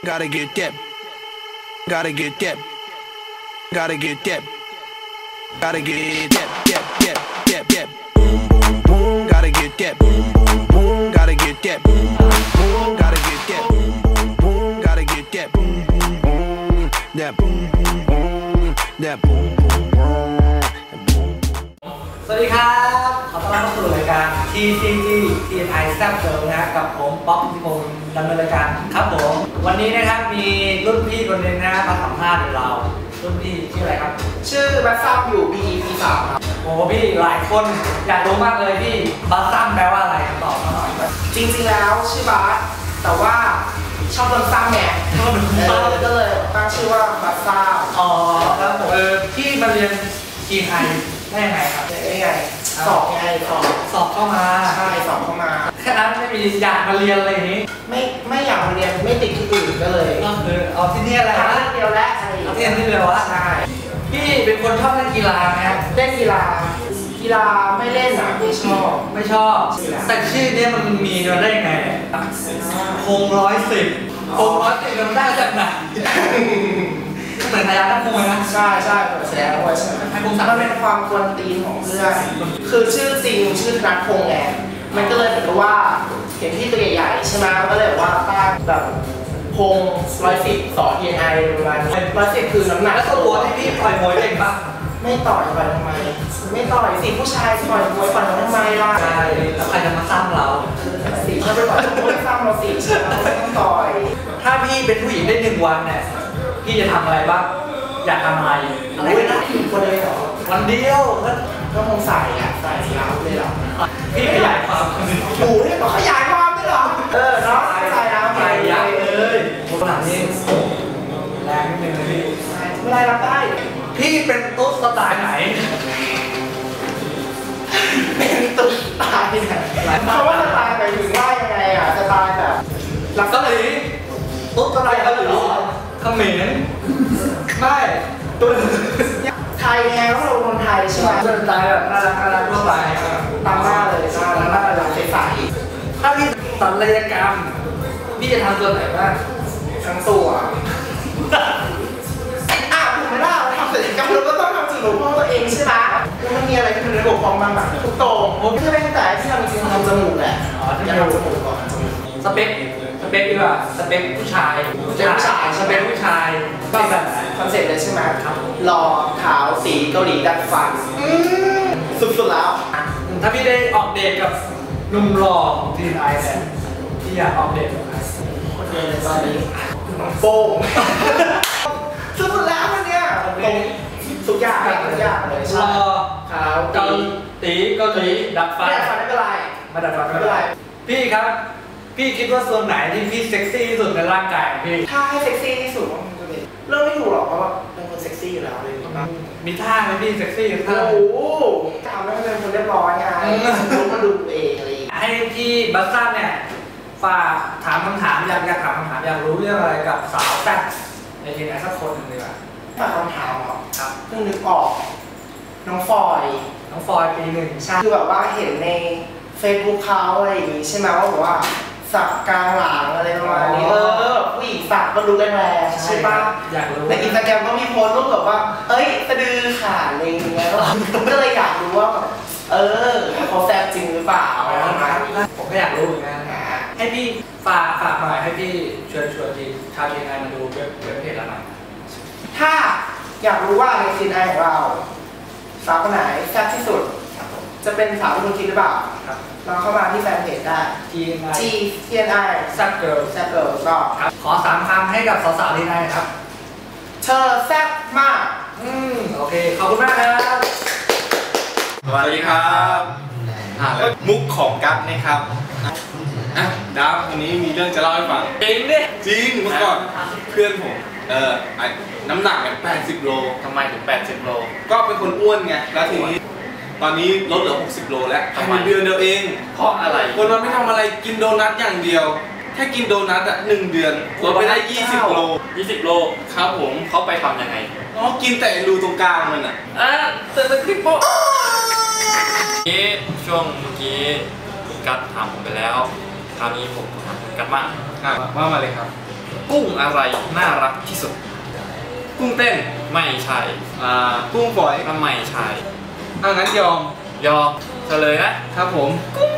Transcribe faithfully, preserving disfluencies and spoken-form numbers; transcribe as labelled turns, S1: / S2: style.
S1: Gotta get that. Gotta get that. Gotta get that. Gotta get that. That. That. That. That. Boom, boom, boom. Gotta get that. Boom, boom, boom. Gotta get that. Boom, boom, boom. Gotta get that. Boom, boom, boom. Gotta get that. Boom, boom, boom. That boom, boom, boom. That boom, boom, boom.
S2: สวัสดีครับขอต้อนรับเข้าสู่รายการ ที ซี จี ที เอ็น ไอ แซ่บเกิร์ลนะกับผมป๊อกพิพงศ์ดำเนินรายการครับผมวันนี้นะครับมีรุ่นพี่คนหนึ่งนะมาสัมภาษณ์เรารุ่นพี่ชื่ออะไรครับ
S3: ชื่อบัสซัมอยู่ ปี ปี สามครับ
S2: โอ้พี่หลายคนอยากรู้มากเลยพี่บัสซัมแปลว่าอะไรตอบมาหน่อย
S3: จริงๆแล้วชื่อบัสแต่ว่าชอบโดนซ้ำไงก็เลยตั้งชื่อว่าบัสซัม
S2: อ๋อครับผมเออพี่มาเรียนทีไทยได้ยังไงครับ
S3: ได้ไงสอบไงสอบ
S2: สอบเข้ามา
S3: ใช่สอบเข้ามา
S2: แค่นั้นไม่มีอยากมาเรียนอะไรอย่างนี้
S3: ไม่ไม่อยากมาเรียนไม่ติดที่อื่นก็เลย
S2: ก็คือเอาที่นี่อะไร
S3: นะเดียวและ
S2: เอาที่นี่เดียววะ
S3: ใช่
S2: พี่เป็นคนชอบเล่นกีฬาไหมครับ
S3: เล่นกีฬากีฬาไม่เล่นนะไม่ชอบ
S2: ไม่ชอบแต่ชื่อนี้มันมีมาได้ไงพงร้อยสิบพงร้อยสิบมันได้จากไหนเหมือนพยานักมวยนะ
S3: ใช่ใช่เหมือนแสดงมวยใช่ไหมมันเป็นความกวนตีนของเพื่อนคือชื่อจริงชื่อนัทพงษ์ไงมันก็เลยเหมือนกับว่าเห็นที่ตัวใหญ่ๆใช่ไหมก็เลยว่าตั้งแบบพงร้อยสิบสอทีไอประมาณร้อยสิบคือน้ำหนัก
S2: แล้วก็ตัวที่พี่ต่อยมวยเก่งปะ
S3: ไม่ต่อยต่อยทำไมไม่ต่อยสิผู้ชายต่อยมวยต่อยทำไมล่ะ
S2: ใช่แล้วใครจะมาซ้ำเรา
S3: สิเขาไปต่อยมวยซ้ำเราสิเราไม่ต้องต่อย
S2: ถ้าพี่เป็นผู้หญิงได้หนึ่งวันเนี่ยพี่จะทำอะไรบ้างอยากทำอะไร
S3: อะไรก็ได้คนเดียว
S2: วันเดียว
S3: ก็คงใส่อะใส่ยาวเลยหรอ
S2: พี่ขยายความ
S3: โอ้ยบอกขยายความได้หรอเออเนาะใส่แล้ว
S2: ใส่ยาวเลยขนาดนี้แรงนิดนึงพี่
S3: ไม่ได้รับได้
S2: พี่เป็นตุ๊ดสไตล์ไหน
S3: เป็นตุ๊ดสไตล์ไหนเพราะว่าสไตล์หมายถึงว่ายังไงอะสไตล์แบบ
S2: หลักเกาหลีตุ๊ดสไตล์เกาหลีเขมรไม่ตุ๊ด
S3: ไทยไงก็เราคนไทยใช่ไหม
S2: สไตล์แบบน่ารักน่ารักทั่วไป
S3: ตามหน้าเลยน่ารักน่ารักใส
S2: ๆถ้าพี่ศัลยกรรมพี่จะทำตัวไหนบ้าง
S3: ทั้งตัวอ่ะถูกไหมล่ะทำศัลยกรรมเราก็ต้องทำจมูกของตัวเองใช่ไหมแล้วมันมีอะไรที่มันระบบของมันแบบทุกตรงผมจะเป็นแต่ที่ทำจริงทำจมูกแหละอยากทำจมูกก่อน
S2: สเปคสเปคดีกว่าสเปคผู้ชาย
S3: ผู้ชาย
S2: สเปคผู้ชาย
S3: ก็แบบคอนเซ็ปต์เลยใช่ไหมครับหล่อขาวสีเกาหลีดัดฟันสุดๆแล้ว
S2: ถ้าพี่ได้ออกเดทกับหนุ่มหล่อทีไอเนี่ยพี่อยากออกเดทกับใคร
S3: คนเดียวเลยตอนนี้น้องโป้งสุดๆแล้วมันเนี่ยทุกอย่างทุกอย่างเลย
S2: หล่อ
S3: ขาว
S2: เกาหลีเกาหลีดัดฟัน
S3: ไม่ดัดฟันไม่เป็นไร
S2: ไม่ดัดฟันไม่เป็นไรพี่ครับพี่คิดว่าส่วนไหนที่พี่เซ็กซี่ที่สุดในร่างกายพี่
S3: ถ้าให้เซ็กซี่ที่สุดมันจะเป็นเริ่มไม่ถูกหรอกเพราะว่าเป็นคนเซ็กซี่อยู่แล้วเลย
S2: มีท่าไหมพี่เซ็กซี่ท่า
S3: โอ้โหทำให้มันเป็นคนเรียบร้อยไงรู้มาดูเองอะไร
S2: ให้พี่บัสซัมเนี่ยฝากถามคำถามอยากอยากถามคำถามอยากรู้เรื่องอะไรกับสาวแซ่บในทีไหนสักคนหนึ่งดีกว่า
S3: ฝากคำถามเหรอครับเพิ่งนึกออกน้องฟอย
S2: น้องฟอยปีหนึ่ง
S3: ใช่คือแบบว่าเห็นในเฟซบุ๊กเขาอะไรอย่างงี้ใช่ไหมว่าแบบว่าสักกลางหลังอะไรประมาณนี้เออผู้หญิงสักก็รู้แรงๆใช่ป่ะ
S2: อยากรู้
S3: ในอินสตาแกรมก็มีโพสต์รูปแบบว่าเอ้ยสะดือขาดอะไรอย่างเงี้ยก็เลยอยากรู้ว่าเออเขาแซ่บจริงหรือเปล่า
S2: ผมก็อยากรู้เหมือนกันให้พี่ฝากฝากหน่อยให้พี่ชวนชวนทีชาวทีนายมาดูเว็บเว็บเพจเราหน่อย
S3: ถ้าอยากรู้ว่าในทีนายของเราสาวคนไหนแซ่บที่สุดจะเป็นสาวที่คุณคิดหรือเปล่าเราเข้ามาที่แฟนเพจได้
S2: G
S3: G T N I
S2: แซ่บเกิร์ล
S3: แซ่บเกิร์ลก็
S2: ขอสามคำให้กับสาวๆที่ไหนครับ
S3: เธอแซ่บมาก
S2: อืมโอเคขอบคุณมากครับ
S4: สวัสดีครับมุกของกั๊กนะครับอ่ะดาววันนี้มีเรื่องจะเล่าให้ฟัง
S2: จริงดิ
S4: จริงเมื่อก่อนเพื่อนผมเออน้ำหนักเนี่ยแปดสิบโล
S2: ทำไมถึงแปดสิบโล
S4: ก็เป็นคนอ้วนไงแล้วทีนี้ตอนนี้ลดเหลือหกสิบโลแล้วทำไมเดือนเดียวเอง
S2: เพราะอะไร
S4: คนเราไม่ทำอะไรกินโดนัทอย่างเดียวแค่กินโดนัทอ่ะหนึ่งเดือนลดไปได้ยี่สิบโล
S2: ยี่สิบโล
S4: ครับผม
S2: เขาไปทำยังไง
S4: อ๋อกินแต่รูตรงกลางมันอ่ะ
S2: อ่ะแต่เป็นคลิปโป๊ะนี้ช่วงเมื่อกี้คุณกั๊กถามผมไปแล้วคราวนี้ผมถามคุณกั๊กบ้าง
S4: ว่ามาเลยครับ
S5: กุ้งอะไรน่ารักที่สุดกุ้งเต้นไม่ใช่อ่า
S4: กุ้งฝอย
S5: ก็ไม่ใช่
S4: อ่ะงั้นยอม
S5: ยอมเฉลยนะครับ
S4: ผม
S5: กุ้ง